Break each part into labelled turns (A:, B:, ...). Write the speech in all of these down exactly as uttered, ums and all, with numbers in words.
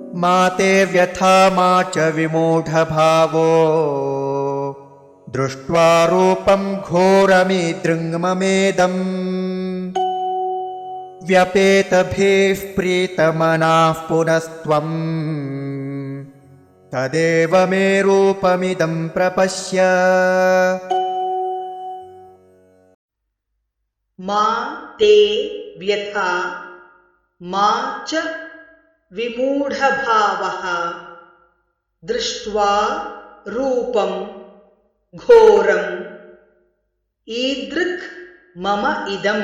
A: मा ते व्यथा मा च विमूढभावो दृष्ट्वा रूपं घोरमिदृङ्ममेदम् व्यपेतभिः प्रीतमनाः पुनस्त्वम् तदेव मे रूपमिदं प्रपश्य।
B: मा ते व्यथा मा च विमूढभावः दृष्ट्वा रूपं घोरम् ईदृक् मम इदं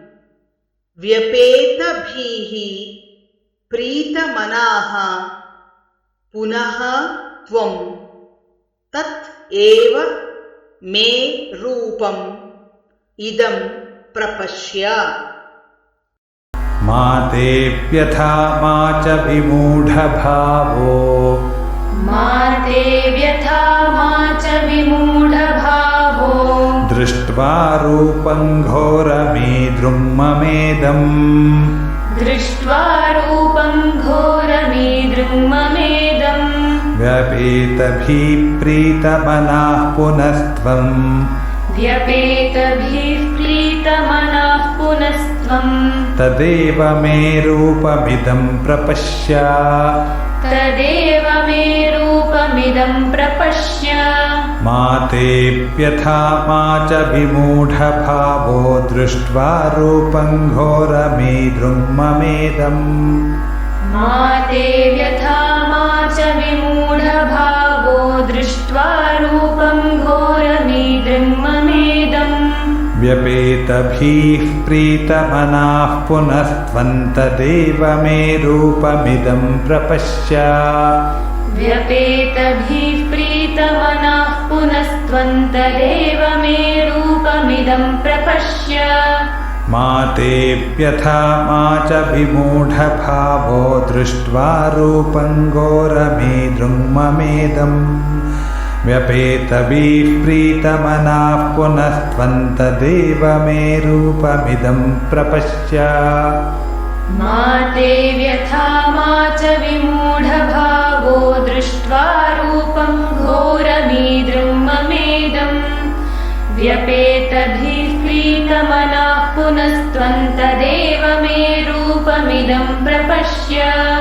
B: व्यपेतभिः प्रीतमनाः पुनः त्वं तत् एव मे रूपम् इदं प्रपश्य।
C: मा ते व्यथा मा च विमूढभावो
D: मा ते व्यथा मा च विमूढभावो
C: दृष्ट्वा रूपं घोरमीदृङ्ममेदम्
D: दृष्ट्वा रूपं घोरमीदृङ्ममेदम्
C: व्यपेतभिः प्रीतमनाः पुनस्त्वम्
D: व्यपेतभिः प्रीतमनाः पुनस्त्वम्
C: तदेव मे रूपमिदं प्रपश्य।
D: तदेव मे रूपमिदं प्रपश्य।
C: मा ते व्यथा मा च विमूढभावो दृष्ट्वा रूपं घोरमीदृङ्ममेदम्
D: मा ते व्यथा मा च विमूढभावो दृष्ट्वा रूपं घोरमीदृङ्ममेदम्
C: व्यपेतभिः प्रीतमनाः पुनस्त्वं तदेव मे रूपमिदं प्रपश्य।
D: व्यपेतभिः प्रीतमनाः पुनस्त्वं तदेव मे रूपमिदं प्रपश्य।
C: मा ते व्यथा मा च विमूढभावो दृष्ट्वा रूपं घोरमीदृङ्ममेदम् व्यपेतभिः प्रीतमनाः पुनस्त्वं तदेव मे रूपमिदं प्रपश्य।
D: मा ते व्यथा मा च विमूढभावो दृष्ट्वा रूपं घोरमीदृङ्ममेदम् व्यपेतभिः प्रीतमनाः पुनस्त्वं तदेव मे रूपमिदं प्रपश्य।